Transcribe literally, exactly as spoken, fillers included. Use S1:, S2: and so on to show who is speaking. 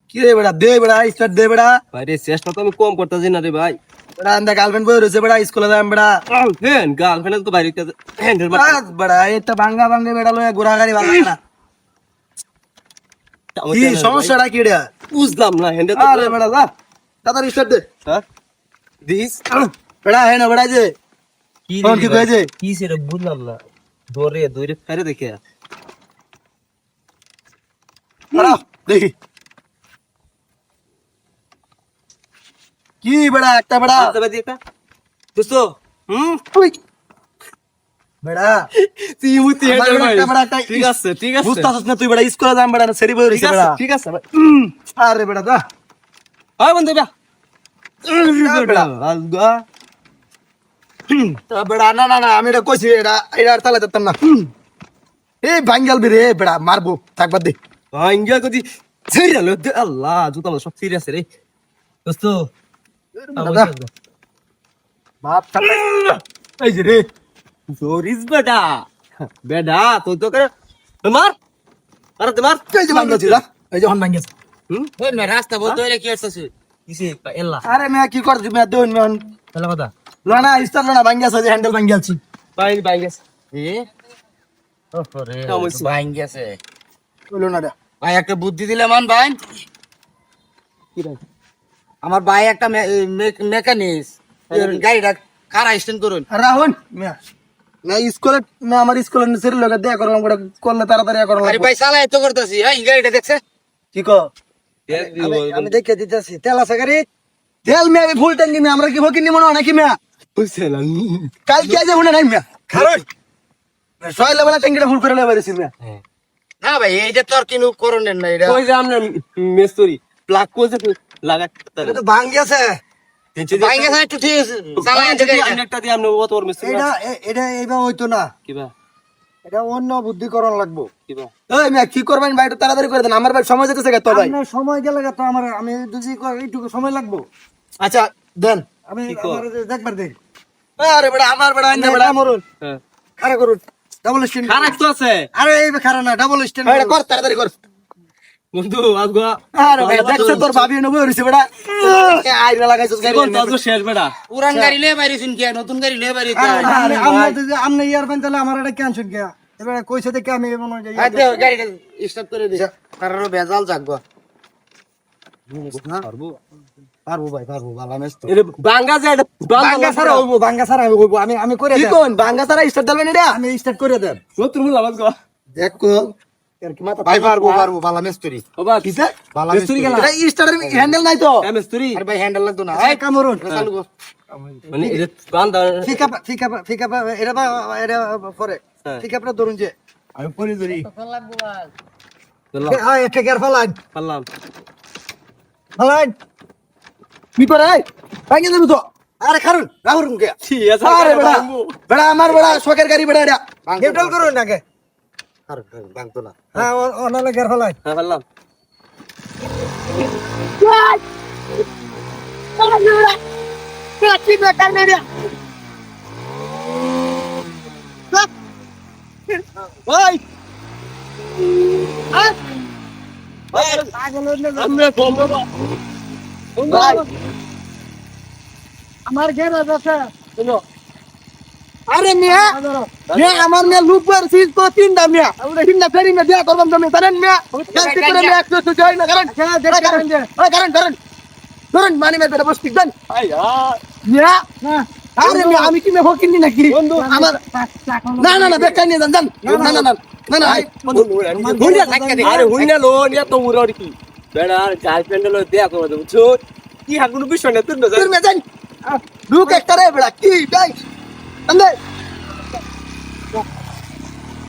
S1: কি রে বেড়া দে বেড়া স্টার্ট দে বেড়া
S2: ভাই রে চেষ্টা তো আমি কম করতেছি না রে ভাই।
S1: বেড়া আন্দা গার্লফ্রেন্ড বই রয়েছে বেড়া স্কুলে যাম বেড়া
S2: হ্যাঁ গার্লফ্রেন্ড তো বাইরে হ্যান্ডেল মার
S1: বাস বেড়া এটা ভাঙ্গা ভাঙ্গে বেড়া লয়ে ঘোরা গাড়ি ভালো না কি সমস্যাটা কি রে
S2: বুঝলাম না হ্যান্ডেল
S1: আরে বেড়া যা তাড়াতাড়ি স্টার্ট দে
S2: হ্যাঁ দিস
S1: বেড়া হ্যাঁ না বেড়া যে
S2: কি
S1: কোন কি কইছে
S2: কি সেটা বুঝলাম না দৌড়ে দৌড়ে ফেরে দেখে
S1: বেড়া দেখি কি বেড়া একটা বেড়া
S2: আচ্ছা ভাই একটা দোস্তো হুম
S1: উই। বেড়া
S2: তুই মুতি
S1: আমার
S2: হ্যান্ডেল
S1: বেড়া একটা বেড়া একটা
S2: ঠিক আছে ঠিক আছে
S1: বুঝতাছস না তুই বেড়া স্কুলে যাম বেড়া না সেরি বই
S2: ঠিক
S1: রয়েছে
S2: আছে
S1: বেড়া
S2: ঠিক আছে ভাই
S1: উম, আরে বেড়া যা
S2: হয় বন্ধু বা
S1: বেড়া।
S2: আলগা
S1: তা বেড়া না না না আমি এটা কইছি এটা এটা আর তালে দিতাম না হুম। এই বাঙ্গাল বেরে বেড়া মারবো থাকবার দে
S2: ভাঙ্গা কদি সিরিয়াল আল্লাহ জুতা আমার সব সিরিয়াস রে দোস্তো
S1: দাদা বাপ থাকবে এই যে রে
S2: জোরিস বেটা বেটা তো তো করে মার আরে তোমার
S1: এই যে বাঙ্গাল ছিল এই যে হন বাঙ্গাল
S2: হুম
S3: ওই মে রাস্তা বলতে হইলে কি হচ্ছে
S2: কিসে এল্লা
S1: আরে মে কি করছি মে দেন মে
S2: এল্লা কথা
S1: লনা ইস্তার লনা বাঙ্গাল আছে হ্যান্ডেল বাঙ্গাল ছি
S2: পাই পাই গেছে
S3: এ ওরে
S2: সমস্যা।
S3: ভাই গেছে
S1: বলো না রে
S3: ভাই একটা বুদ্ধি দিলে মান ভাই
S2: কি রে
S3: আমার ভাই একটা মেকানিক গাড়িটা কারা স্ট্যান্ড করুন
S1: রাহুল মে না স্কুলে না আমার স্কুলে সেরি লগা দেয়া করলাম গোটা করলে তাড়াতাড়ি করলাম
S3: আরে ভাই চালাই তো করতেছি হ্যাঁ গাড়িটা দেখছে
S1: কি কো আমি দেখে দিতেছি তেল আছে গাড়ি তেল মে আমি ফুল ট্যাঙ্কি মে আমরা কি ভকি নি মনে হয় নাকি মে
S2: বুঝছেন
S1: কাল কি আজ মনে নাই মে কারণ সয়লা বেলা ট্যাঙ্কিটা ফুল করে লয়ে বেরিয়েছি মে
S3: না ভাই এইটা তো আর কিনু করণের না এটা
S2: কই যে আমরা মেস্তরি প্লাগ কোজে লাগা
S1: এটা তো ভাঙ গেছে
S3: ভাই গেছে একটু ঠিক আছে চালাই আছে গাড়িটা
S2: একটা দিয়ে আমরা অত বড় মেস্তরি
S1: এটা এ- এটা এইবার হইতো না
S2: কিবা
S1: এটা অন্য বুদ্ধিকরণ লাগবো
S2: কিবা
S1: এই মে কি করবেন ভাই একটু তাড়াতাড়ি করে দেন আমার ভাই সময় যেতেছে তো ভাই
S4: আপনার সময় গেলে তো আমার আমি যদি এইটুকু সময় লাগবো
S1: আচ্ছা দেন
S4: আমি
S2: কি কর?
S4: আমার দেখবার দেই
S1: আরে বেটা আমার বেটা আইনা বেটা
S4: মরুন
S2: হ্যাঁ
S4: আরে করুন ডাবল স্ট্যান্ড
S2: খারাপ তো আছে
S4: আরে এই খারাপ না ডাবল স্ট্যান্ড
S1: এটা কর তাড়াতাড়ি কর
S2: বন্ধু আজগো
S1: আরে ভাই দেখছ তোর ভাবি নবো হইছে বেটা আইনা লাগাইছস গাড়ি
S2: কোন তো শেষ বেটা
S3: পুরান গাড়ি লয়ে বাইরেছিন কি নতুন গাড়ি লয়ে বাইরে
S4: আপনি আপনি যদি আপনি ইয়ার পান তাহলে আমার এটা ক্যান্সেল কে এবার কইছে দেখে আমি মনে হয় যে ইয়া
S3: আরে গাড়িটা স্টার্ট করে দিছে কারণ বেজাল জাগবো
S2: পারবো
S4: পারবো ভাই পারবো ভালো মেস্ত
S2: এর বাঙ্গা যায় এটা
S4: বাঙ্গা ছাড়া হইবো বাঙ্গা ছাড়া হইবো আমি আমি করে
S1: কি
S4: দেব
S1: কোন বাঙ্গা সারা স্টার্ট দিবেন এটা
S4: আমি স্টার্ট করে দেব
S2: নতুন মুলা আজগো
S1: দেখো
S4: এর কি মাথা
S3: ভাই পারবো পারবো ভালো মিস্ত্রি
S2: বাবা
S1: কিসে
S3: ভালো
S2: মেস্তরি গেল
S1: এটা স্টার্টার হ্যান্ডেল নাই তো
S2: এ মেস্তরি
S3: আরে ভাই হ্যান্ডেল লাগতো না
S4: এই কামরুন
S3: চালু কর
S2: মানে এটা বান্দা
S4: ফিকা ফিকা ফিকা এটা বা এটা পরে
S2: হ্যাঁ।
S4: ফিকা পরে ধরুন যে
S1: আমি পরে ধরি
S2: চলো
S4: হ্যাঁ এটা কেয়ার ফলাইন
S2: পারলাম
S4: ফলাইন
S1: কি করে ভাঙে দেব তো
S4: আরে খারুন রাহুন কে
S2: ঠিক আছে
S1: আরে বেটা বেটা আমার বেটা শখের গাড়ি বেটা এটা
S4: নিউট্রাল করুন আগে
S3: আর ভাঙতো না
S4: হ্যাঁ অনালে কেয়ার ফলাইন
S2: হ্যাঁ পারলাম
S1: ওই
S2: আমরা কম বাবা
S1: ভাই
S4: আমার গ্যারেজ আছে
S1: আরে মিয়া মিয়া আমার মিয়া লুপার সিজ তো তিনটা মিয়া আমরা তিনটা ফেরি মিয়া দিয়া করবাম তুমি জানেন মিয়া কালকে করে মিয়া একটু একটু যাই না কারণ কারণ কারণ কারণ ধরুন মানে মেয়ে বেটা বস ঠিক দেন মিয়া আরে মিয়া আমি কি মে ফকিনি নাকি আমার না না না বেকার নিয়ে যান যান না না না না না
S2: হুইনা থাকতে দে আরে হুইনা লো নিয়া তো উড়ি কি বেড়া গার্লফ্রেন্ড লো দেয়া করে দেব ছো কি হাগুনো বিষয় না তুই না
S1: তোর মে যান লুক একটা রে বেটা কি ভাই আন্দে